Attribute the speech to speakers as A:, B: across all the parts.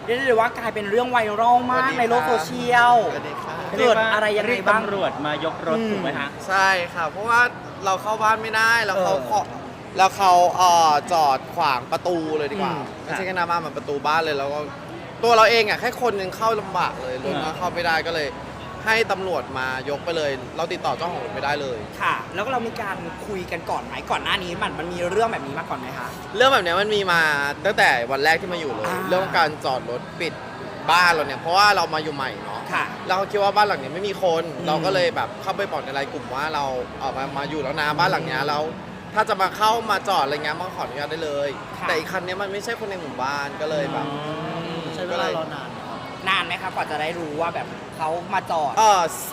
A: รียกได้เลยว่ากลายเป็นเรื่องไวรัลมากในโลกโซเชียลเกิดอะไรยังไงบ้าง
B: ตำรวจมายกรถถูกไหมฮะ
C: ใช่ค่ะเพราะว่าเราเข้าบ้านไม่ได้แล้วเขาจอดขวางประตูเลยดีกว่าไม่ใช่แค่หน้าบ้านมันประตูบ้านเลยแล้วก็ตัวเราเองอ่ะแค่คนนึงเข้าลำบากเลยรถก็เข้าไม่ได้ก็เลยให้ตำรวจมายกไปเลยเราติดต่อเจ้าของรถไม่ได้เลย
A: ค่ะแล้วก็เรามีการคุยกันก่อนไหมก่อนหน้านี้มันมีเรื่องแบบนี้มาก่อนไหมคะ
C: เรื่องแบบนี้มันมีมาตั้งแต่วันแรกที่มาอยู่เลยเรื่องการจอดรถปิดบ้านเราเนี่ยเพราะว่าเรามาอยู่ใหม่เนาะเราคิดว่าบ้านหลังนี้ไม่มีคนเราก็เลยแบบเข้าไปบอกในไลน์กลุ่มว่าเรามาอยู่แล้วนะบ้านหลังนี้แล้วถ้าจะมาเข้ามาจอดอะไรเงี้ยมาขออนุญาตได้เลยแต่อีกคันนี้มันไม่ใช่คนในหมู่บ้านก็เลยแบบ
D: ใช้เวลารอนาน
A: ไหมครับกว่าจะได้รู้ว่าแบบเขามาจอด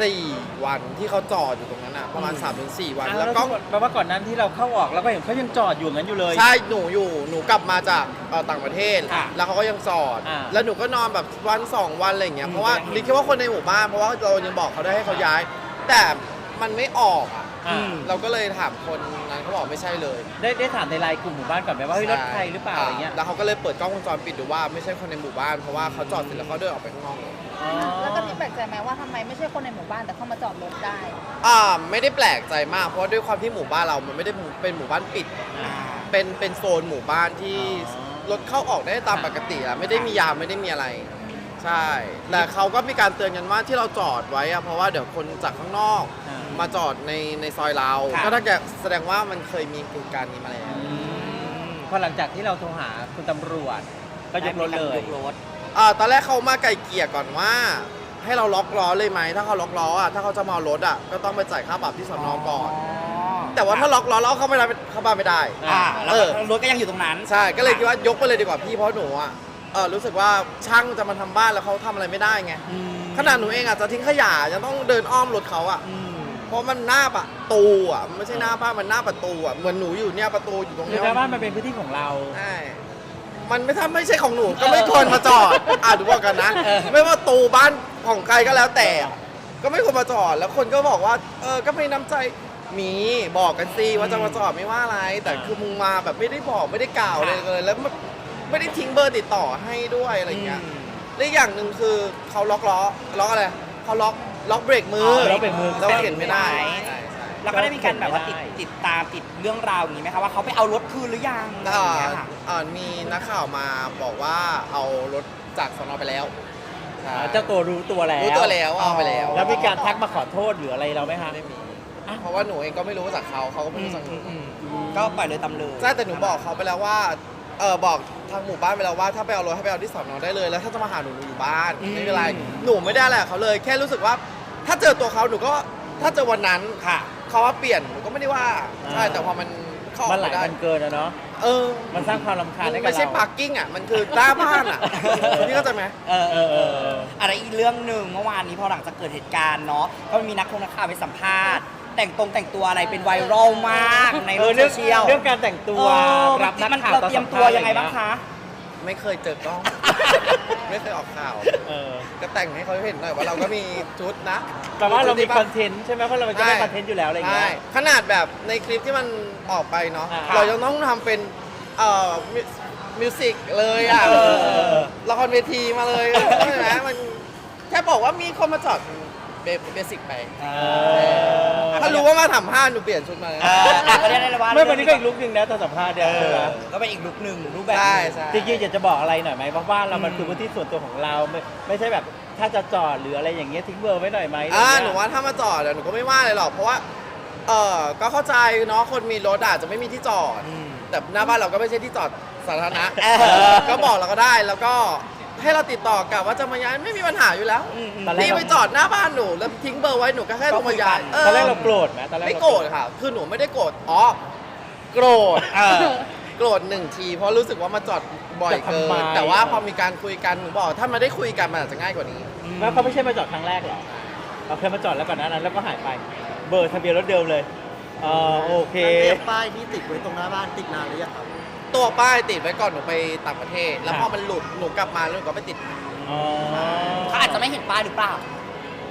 C: 4 วันที่เขาจอดอยู่ตรงนั้นอ่ะประมาณ 3-4 วัน
B: แล้วก็แปลว่าก่อนนั้นที่เราเข้าออกเราก็เห็นเขายังจอดอยู่งั้นอยู่เลย
C: ใช่หนูกลับมาจากต่างประเทศแล้วเขาก็ยังจอดแล้วหนูก็นอนแบบวัน2 วันอะไรอย่างเงี้ยเพราะว่าดิคิดว่าคนในหมู่บ้านเพราะว่าเรายังบอกเขาได้ให้เขาย้ายแต่มันไม่ออกเราก็เลยถามคนนั้นเขาบอกไม่ใช่เลย
B: ได้ถามในไลน์กลุ่มหมู่บ้านก่อนไหมว่าเฮ้ยรถใครหรือเปล่าอะไรเงี้ย
C: แล้วเขาก็เลยเปิดกล้องวงจรปิดดูว่าไม่ใช่คนในหมู่บ้านเพราะว่าเขาจอดเสร็จแล้วเขาเดินออกไปข้างนอก
E: แล้วก็ที่แปลกใจไหมว่าทำไมไม่ใช่คนในหมู่บ้านแต่เข้ามาจอดรถได้
C: ไม่ได้แปลกใจมากเพราะด้วยความที่หมู่บ้านเรามันไม่ได้เป็นหมู่บ้านปิดเป็นโซนหมู่บ้านที่รถเข้าออกได้ตามปกติอะไม่ได้มียามไม่ได้มีอะไรใช่แต่เขาก็มีการเตือนกันว่าที่เราจอดไว้อะเพราะว่าเดี๋ยวคนจากข้างนอกมาจอดในซอยเราก็ถ้าแสดงว่ามันเคยมีเหตุการณ์นี้มาแล้ว
B: พอหลังจากที่เราโทรหาคุณตำรวจก็ยกรถเลย
C: ตอนแรกเขามาไกลเกลี่ยก่อนว่าให้เราล็อกล้อเลยไหมถ้าเขาล็อกล้ออ่ะถ้าเขาจะมาเอารถอ่ะก็ต้องไปจ่ายค่าปรับที่สน.ก่อนแต่ว่าถ้าล็อกล้อแล้วเข้าบ้านไม่ได้
A: แล้วรถก็ยังอยู่ตรงนั้น
C: ใช่ก็เลยคิดว่ายกไปเลยดีกว่าพี่เพราะหนูอ่ะรู้สึกว่าช่างจะมาทำบ้านแล้วเขาทำอะไรไม่ได้ไงขนาดหนูเองอ่ะจะทิ้งขยะยังต้องเดินอ้อมรถเขาอ่ะเพราะมันหน้าประตูอ่ะไม่ใช่หน้าบ้านมันหน้าประตูอ่ะเหมือนหนูอยู่เนี่ยประตูอยู่ตรงนี้
B: หน้าบ้านมันเป็นพื้นที่ของเรา
C: ใช่มันไม่ใช่ของหนูก็ไม่ควรมาจอดดูว่ากันนะไม่ว่าตูบ้านของใครก็แล้วแต่ก็ไม่ควรมาจอดแล้วคนก็บอกว่าก็ไม่น้ำใจมีบอกกันสิว่าจะมาจอดไม่ว่าอะไรแต่คือมึงมาแบบไม่ได้บอกไม่ได้กล่าวเลยแล้วไม่ได้ทิ้งเบอร์ติดต่อให้ด้วยอะไรเงี้ยและอย่างหนึ่งคือเขาล็อกอะไรเขาล็อกเบรกมือเราเห็นไม่ได้
A: แล้วก็ได้มีการแบบว่าติดตามติดเรื่องราวอย่างนี้ไหมคะว่าเขาไปเอารถคืนหรือยัง
C: มีนักข่าวมาบอกว่าเอารถจากสน.ไปแล้ว
B: เจ้าตัวรู้ตัวแล้ว
C: เอาไปแล้ว
B: แล้วมีการทักมาขอโทษหรืออะไรเราไหมคะ
C: ไม่มีเพราะว่าหนูเองก็ไม่รู้จากเขาก็ไม่รู้จากหนู
A: ก็ปล่อยเลยตำเลย
C: ใช่แต่หนูบอกเขาไปแล้วว่าบอกทางหมู่บ้านไปแล้วว่าถ้าไปเอารถให้ไปเอาที่สน.ได้เลยแล้วถ้าจะมาหาหนูอยู่บ้านไม่เป็นไรหนูไม่ได้แหละเขาเลยแค่รู้สึกว่าถ้าเจอตัวเขาหนูก็ถ้าเจอวันนั้นเขาว่าเปลี่ยนหนูก็ไม่ได้ว่าใช่แต่พอมัน
B: หลายมันเกินอะเนาะมันสร้างความรำคาญให้กับเรา
C: ไม่ใช่พาร์กิ้งอะมันคือหน้าบ้านอะพี่เข้าใจไหม
A: อะไรอีกเรื่องหนึ่งเมื่อวานนี้พอหลังจากเกิดเหตุการณ์เนาะก็มีนักข่าวไปสัมภาษณ์แต่งตัวอะไรเป็นไวรัลมากในโลกโซเชียล
B: เรื่องการแต่งตัว
A: รับนักข่าวเราเตรียมตัวยังไงบ้างคะ
C: ไม่เคยเจอกล้องไม่เคยออกข่าวก็แต่งให้เขาเห็นหน่อยว่าเราก็มีชุดนะ
B: แต่ว่าเรามีคอนเทนต์ใช่ไหมเพราะเราจะได้คอนเทนต์อยู่แล้วอะไรอย่างเงี้ย
C: ขนาดแบบในคลิปที่มันออกไปเนาะเรายังต้องทำเป็นมิวสิกเลยอ่ะละครเวทีมาเลยใช่ไหมมันแค่บอกว่ามีคนมาจอดเบสิกไปถ้ารู้ว่ามาทำผ้าหนูเปลี่ยนชุดมา
A: ก็ได้เลยว่า
B: ไม่วันนี้ก็อีกลุคนึงนะตอนสัมภาษณ์เนี่ย
A: ก็เป็นอีกลุคนึงรูปแบบ
B: จริงๆอยากจะบอกอะไรหน่อยไหมเพราะว่าเรามันคือพื้นที่ส่วนตัวของเราไม่ใช่แบบถ้าจะจอดหรืออะไรอย่างเงี้ยทิ้งเบอร์ไว้หน่อยไหม
C: หนูว่าถ้ามาจอดหนูก็ไม่ว่าเลยหรอกเพราะว่าก็เข้าใจเนาะคนมีรถอาจจะไม่มีที่จอดแต่หน้าบ้านเราก็ไม่ใช่ที่จอดสาธารณะก็บอกเราก็ได้แล้วก็ให้เราติดต่อกับว่าจะมาย้ายไม่มีปัญหาอยู่แล้วพี่ไปจอดหน้าบ้านหนูแล้วทิ้งเบอร์ไว้หนูก็แค่ลงมาย้าย
B: ตอนแรกเราโกรธไหมตอนแรก
C: ไม่โกรธค่ะคือหนูไม่ได้โกรธโกรธโกรธ1 ทีเพราะรู้สึกว่ามาจอดบ่อยเกินแต่ว่าพอมีการคุยกันหนูบอกถ้ามาได้คุยกันมันอาจจะง่ายกว่านี้
B: แล้วเขาไม่ใช่มาจอดครั้งแรกหรอเราเคยมาจอดแล้วก่อนนั้นแล้วก็หายไปเบอร์ทะเบียนรถเดิมเลยโอเค
D: ป้ายที่ติดไว้ตรงหน้าบ้านติดนานหรือยังครับ
C: ตัวป้ายติดไว้ก่อนหนูไปต่างประเทศแล้วพอมันหลุดหนูกลับมาแล้วหนูก็ไปติด
A: เขาอาจจะไม่เห็นป้ายหรือเปล่า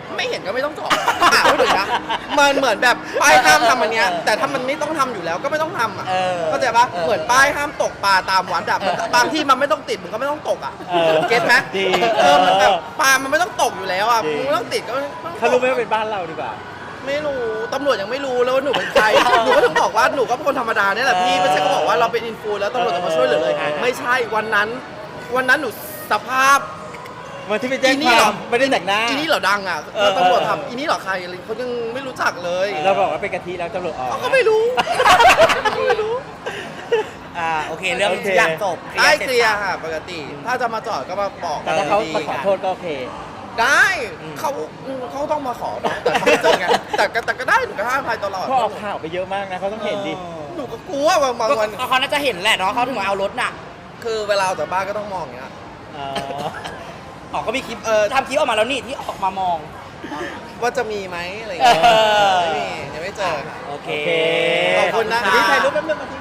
C: ไม่เห็นก็ไม่ต้องจอดพูดถึงนะมันเหมือนแบบป้ายห้ามทำอันเนี้ยแต่ถ้ามันไม่ต้องทำอยู่แล้วก็ไม่ต้องทำอ่ะ
A: เออ
C: เข้าใจปะ
A: เออ
C: เหมือนป้ายห้ามตกปลาตามวัดอะบางที่มันไม่ต้องติดมันก็ไม่ต้องตกอ่ะ
B: เออ
C: เก็ตไหม
B: ดี
C: มันแบบปลามันไม่ต้องตกอยู่แล้วอ่ะ
B: จริง
C: มึงไม่ต้องติดก็ไม่ต้องตก
B: เขารู้ไหมว่าเป็นบ้านเราดีกว่า
C: ไม่รู้ตำรวจยังไม่รู้เลยว่าหนูเป็นใคร หนูก็ถึงบอกว่าหนูก็เป็นคนธรรมดาเนี่ยแหละพี่ไม่ใช่ก็บอกว่าเราเป็นอินฟูแล้วตำรวจจะมาช่วยเหลือเลย ไม่ใช่วันนั้นหนูสภาพ
B: วันที่ไปแจ้ง
C: อีนี่
B: ค
C: เหร
B: วา
C: อ
B: มไม่ได้แต่งหน้า
C: อีนี่เหรอดังอ่ะ
B: เออ
C: ตำรวจทำอีนี่เหรอใครอะไรเขายังไม่รู้จักเลย
B: เราบอกว่าเป็นกะทิแล้วตำรวจออก
C: เขาก็ไม่รู้ไม่รู้
A: โอเคเรื่อง
B: โอเค
A: ทุกอย่างจบ
C: ได้เคลียร์
A: สจ
C: ค่ะปกติ ถ้าจะมาจอดก็มาบอก
B: แต่ถ้าเขา
C: ดี
B: มาขอโทษก็โอเค
C: ได้เขาต้องมาขอแต่เขาไม่เจอไงแต่ก็ได้หนูก็ให้อภัยตลอด
B: เพราะออกข่าวไปเยอะมากนะเขาต้องเห็นดิ
C: หนูก็กลัวบางวัน
A: ก็เขาน่าจะเห็นแหละเนาะเขาถึงมาเอารถน่ะ
C: คือเวลาออกจากบ้านก็ต้องมองอย่างเงี้ย
B: อ๋อ
A: ออกก็มีคลิปทำคลิปออกมาแล้วนี่ที่ออกมามอง
C: ว่าจะมีไหมอะไรอย่างเงี้ย
A: เออ
C: ไม่มียังไม่เจอ
A: โอเค
B: โอเค
C: ขอบคุณนะคะ
B: เดี๋ยวถ่ายรูปแป๊บนึงมาที